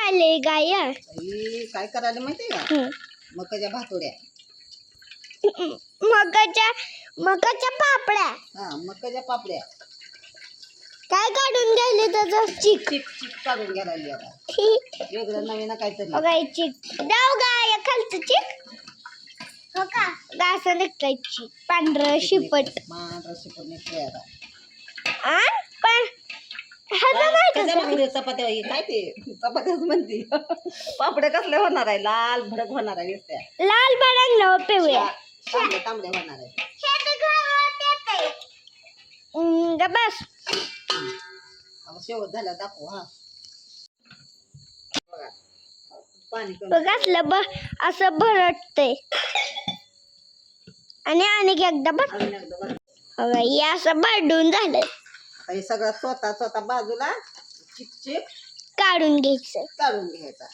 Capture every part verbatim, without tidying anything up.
आले गाय ही काय करायला माहिती का? मकाच्या भातोड्या. मकाच्या मकाच्या पापड्या. हा मकाच्या पापड्या. काय काढून घ्यायले त्याचं चिक चिक चिक काढून घ्यायला आता. वेगळं नवीन काहीतरी. गाय चिक दाव गाय खालचं चिक. हो का गासं निघतंय चिक पांढरं शिपट. पांढरं शिपट निघतंय आता. आ पण ह्याला नाही त्याच्या भाकरी चपात्या काय ते चपात्याच म्हणते. पापड्या कसल्या होणार आहे? लाल भडक होणार आहे नुसत्या. लाल भडक न पिवळ्या तांबड्या तांबड्या होणार आहे. ग बस शेवट झाला दाखव. हा बघा पाणी बघासलं ब असं भरटतंय आणि आणि एकदा बघ हे असं भरडून झालं. हे सगळं स्वतः स्वतः बाजूला चिक चिक काढून घ्यायचं. काढून घ्यायचा.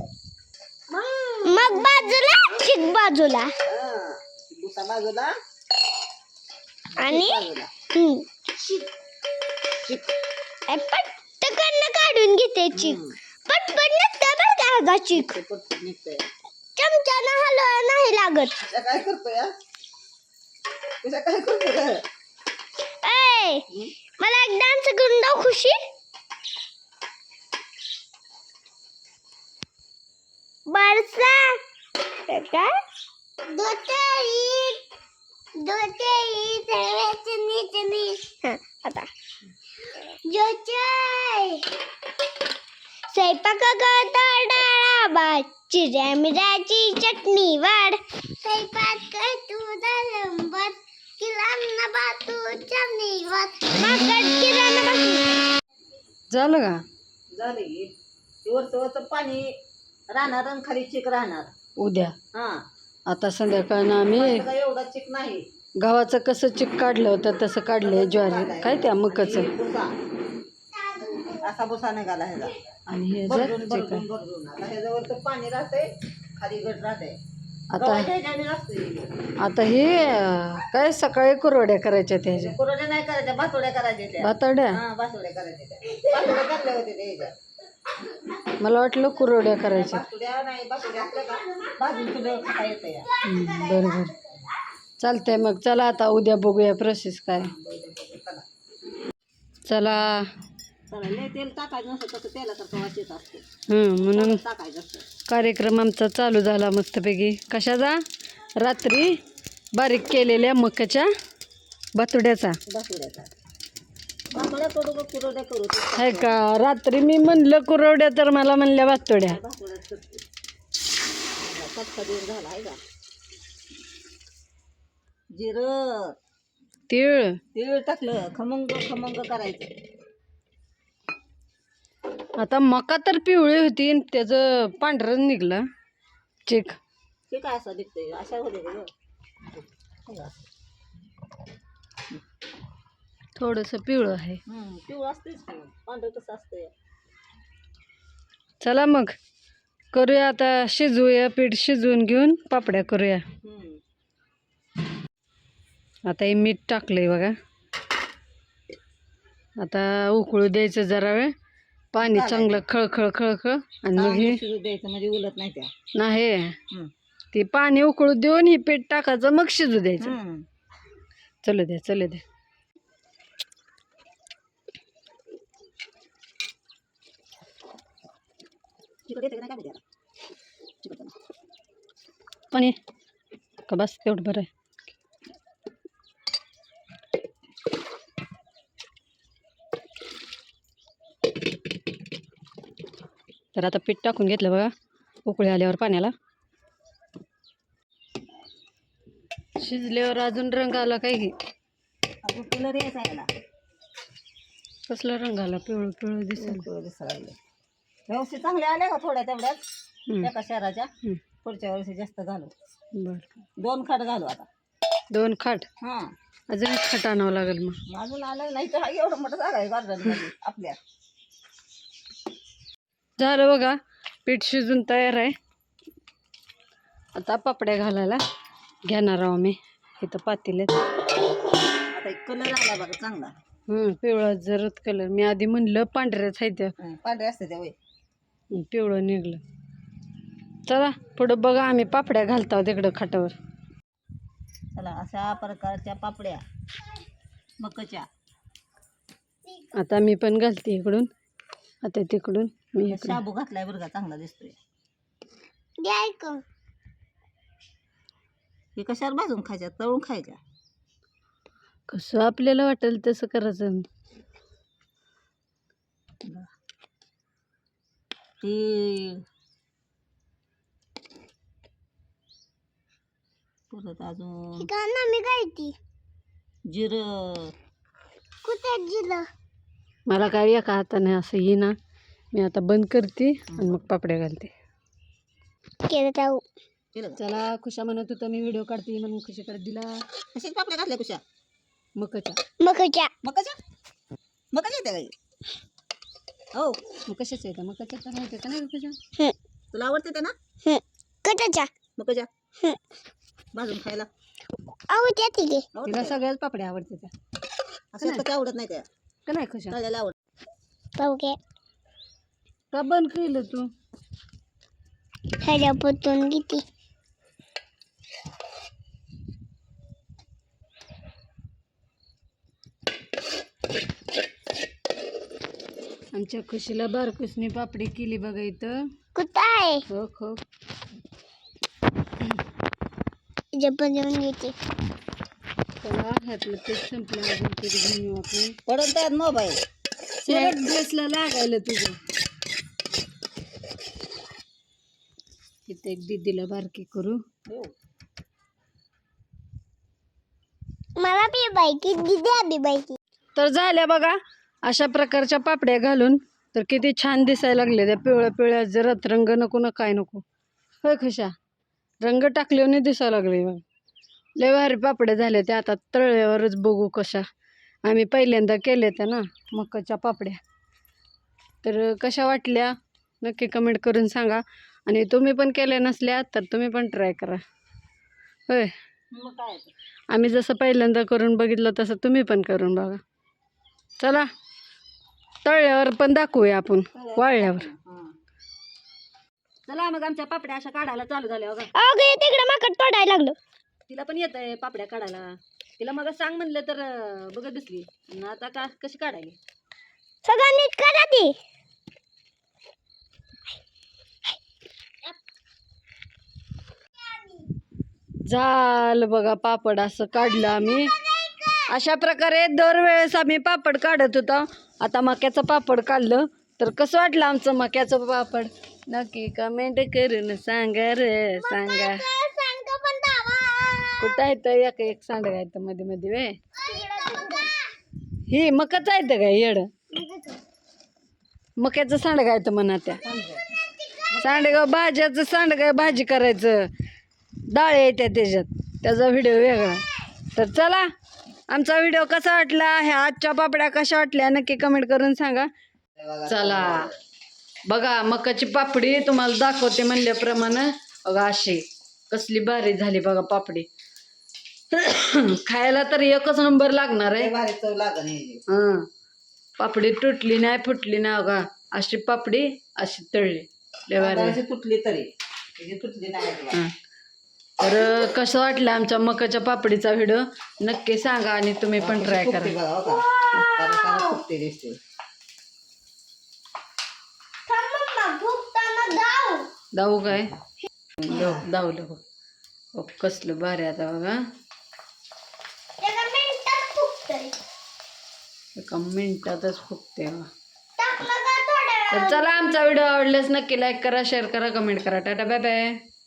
मग बाजूला चिक बाजूला दुसरा बाजूला आणि बाजूला चिक पटकन काढून घेते चिक. पटपट निघतं बरं का चिक. निघतंय चमच्यानं हलवा नाही लागत. काय करतोय? तुझ्या काय करतोय? ए मला एक डान्स करून दाव खुशी. बरसा काय दोतेरी दोतेरी सर्वचनी चनी. हां आता जोचाय स्वयंपाक करता डाळा भात चिऱ्या मिराची चटणी वाढ. स्वयंपाक कर तू दालंबर किराणा बातू चटणी वाढ. माकड किराणा बातू झालं का? झाली वरचं वरचं पाणी राहणार आणि खाली चिक राहणार उद्या. हा आता संध्याकाळनं आम्ही काय एवढा चिक नाही. गव्हाचं कसं चिक काढलं होतं तसं काढलंय ज्वारी काय त्या मकाचं. भुसा असा भुसा निघाला ह्याचा. आणि हे जर भरडून चिक भरडून भरडून आता ह्याच्यावरचं पाणी राहतंय खाली गट राहतंय. आता आता आता हे अं, काय सकाळी कुरवड्या करायच्या त्याच्या कुरड्या नाही करायच्या भातोड्या करायच्या त्या. भातड्या. हा भातोड्या करायच्या त्या. भातोड्या करल्या होत्या त्या ह्याच्या. मला वाटलं कुरवड्या करायच्या. भातोड्या नाही भातोड्या असल्या का भाजून तुला खाता येतं या. हं, बरं बरं चालतंय मग. चला आता उद्या बघूया प्रोसेस काय. चला चला लय तेल टाकायचं नसतं तसं तेलासारखं वाचत असतं. हं म्हणून टाकायचं असतं. कार्यक्रम आमचा चालू झाला मस्तपैकी. कशाचा? रात्री बारीक केलेल्या मकाच्या भातुड्याचा. भातोड्याचा भातोड्या करू का कुरड्या करू? आहे का? रात्री मी म्हणलं कुरवड्या तर मला म्हणल्या भातुड्या. भातोड्याच करते. कटका देऊन झाला आहे का? जिरं तीळ तीळ टाकलं खमंग खमंग करायचं. आता मका तर पिवळी होती आणि त्याचं पांढरं निघलं चिक. ते काय असं दिसतंय अशा होते का? थोडंसं पिवळं आहे. पिवळं असतेच पांढरं कसं असतंय. चला मग करूया आता. शिजवूया पीठ शिजवून घेऊन पापड्या करूया. आता हे मीठ टाकलंय बघा. आता उकळू द्यायचं जरा वेळ. पाणी चांगलं खळखळ खळखळ आणि मग हे द्यायचं म्हणजे उलट नाही त्या. नाही ते पाणी उकळू देऊन हे पीठ टाकायचं मग शिजू द्यायचं. चलू द्या चलू द्या. पाणी का बस तेवढं बरं आहे. तर आता पीठ टाकून घेतलं बघा. उकळी आल्यावर पाण्याला शिजल्यावर अजून रंग आला काय की कलर यायचा याला. कसला रंग आला? पिवळं पिवळं दिसेल. दिसायला व्यवस्थित चांगले आले का थोड्या तेवढ्याच एका शहराच्या. पुढच्या वर्षी जास्त घालू. बरं दोन खाट घालू आता. दोन खाट. हां अजून खाट आणावं लागेल मग. अजून आलं नाही तर एवढं मोठं जागा आहे गार्डनमध्ये आपल्या. झालं बघा पीठ शिजून तयार आहे. आता पापड्या घालायला घेणार आहो मी. इथं पातेल्यात आता एक कलर आला बघा चांगला. हं पिवळा जरद कलर. मी आधी म्हणलं पांढऱ्याच आहे त्या. पांढरे असते त्या वय पिवळं निघलं. चला पुढं बघा, आम्ही पापड्या घालतो तिकडं खाटावर. चला अशा प्रकारच्या पापड्या मकाच्या. आता मी पण घालते इकडून, आता तिकडून मी इकडून. शाबू घातलाय बरं का, चांगला दिसतोय. द्याय का हे कशावर भाजून खायच्या, तळून खायच्या? कसं आपल्याला वाटेल तसं करायचं. तेल परत अजून का ना मी गायती जिरं. कुठे जिलं मला काय एका हाताने असं येईना. मी आता बंद करते आणि मग पापड्या घालते. केलं जाऊ केलं का? चला खुशा म्हणत होता मी व्हिडिओ काढते म्हणून खुशीकडे दिला. कशाच्या पापड्या घातल्या कुशा? मकाच्या. मकाच्या मकाच्या मकाच्या येते काही. हो मग कशाच येतं? मकाच्या तर माहिती का नाही खुशा? हं तुला आवडते ते ना हं कटाच्या मकाच्या हं भाजून खायला? आवडते ती घे तिला आवडते सगळ्याच पापड्या आवडते त्या. असं कशा आवडत नाही त्या, का नाही खुशा? तळलेल्या आवडत. पाहू घे का बंद केलं तू? ह्याच्या पोतून किती आमच्या खुशीला बारकुसनी पापडी केली बघा इथं. कुठं आहे हो हो. जपन जेवण घेते चला ह्यातलं ते संपलं, अजून तरी घेऊन येऊ आपण. पडत त्यात मोबाईल. त्या ड्रेसला लागायला तुझं. इथे एक दीदीला बारकी करू. मला बी बायकी दिद्या बी बायकी. तर झाल्या बघा अशा प्रकारच्या पापड्या घालून. तर किती छान दिसायला लागले त्या पिवळ्या पिवळ्या. जरा रंग नको ना काय नको. होय खुशा, रंग टाकल्याने दिसायला लागले बघ. लय भारी पापड्या झाल्या त्या. आता तळल्यावरच बघू कशा. आम्ही पहिल्यांदा केल्या त्या ना मकाच्या पापड्या. तर कशा वाटल्या नक्की कमेंट करून सांगा. आणि तुम्ही पण केल्या नसल्या तर तुम्ही पण ट्राय करा. होय, मग काय ते? आम्ही जसं पहिल्यांदा करून बघितलं तसं तुम्ही पण करून बघा. चला तळल्यावर पण दाखवूया आपण वाळल्यावर. हां. चला मग आमच्या पापड्या अशा काढायला चालू झाल्या बघा. अगं तिकडे माकड पडायला लागलं. तिला पण येत आहे पापड्या काढायला. तिला मग सांग म्हणलं तर अं, बघत दिसली. आणि आता का कशी काढायली? सगळं नीट करा ती. झालं बघा पापड असं काढलं आम्ही. अशा प्रकारे दरवेळेस आम्ही पापड काढत होतो. आता मक्याचं पापड काढलं. तर कसं वाटलं आमचं मक्याचं पापड नक्की कमेंट करून सांगा रे सांगा. सांगतो पण दावा. कुठं आहे तर एक एक सांडगा आहे तर मध्ये मध्ये वे. ही मकाच आहे का येड? मक्याचं सांडगा आहे तर म्हणा त्या. सांडगा भाज्याचं सांडगा भाजी करायचं. डाळ येत्या त्याच्यात, त्याचा व्हिडिओ वेगळा. तर चला आमचा व्हिडिओ कसा वाटला, ह्या आजच्या पापड्या कशा वाटल्या नक्की कमेंट करून सांगा. चला बघा मकाची पापडी तुम्हाला दाखवते म्हणल्याप्रमाणे. बघा अशी कसली भारी झाली बघा पापडी. खायला तर एकच नंबर लागणार आहे. भारी चव लागन हे. हं, पापडी तुटली नाही फुटली नाही बघा. अशी पापडी अशी तळली लय भारी. अशी तुटली तरी त्याची तुटली नाही अजिबात. हं. तर कसं वाटलं आमच्या मकाच्या पापडीचा व्हिडिओ नक्की सांगा आणि तुम्ही पण ट्राय फुगते करा. बघा, हो का? कारण कारण फुगते दिसते. थांब मम्मा, भुकताना धाव. दाऊ काय दाऊ दावलं हो. हो, कसलं भारी आता बघा. एका मिनिटात फुगतंय. एका मिनिटातच फुगते बघा. टाकलं का थोड्या वेळ. तर चला आमचा व्हिडिओ आवडल्यास नक्की लाईक करा, शेअर करा, कमेंट करा. Tata bye bye.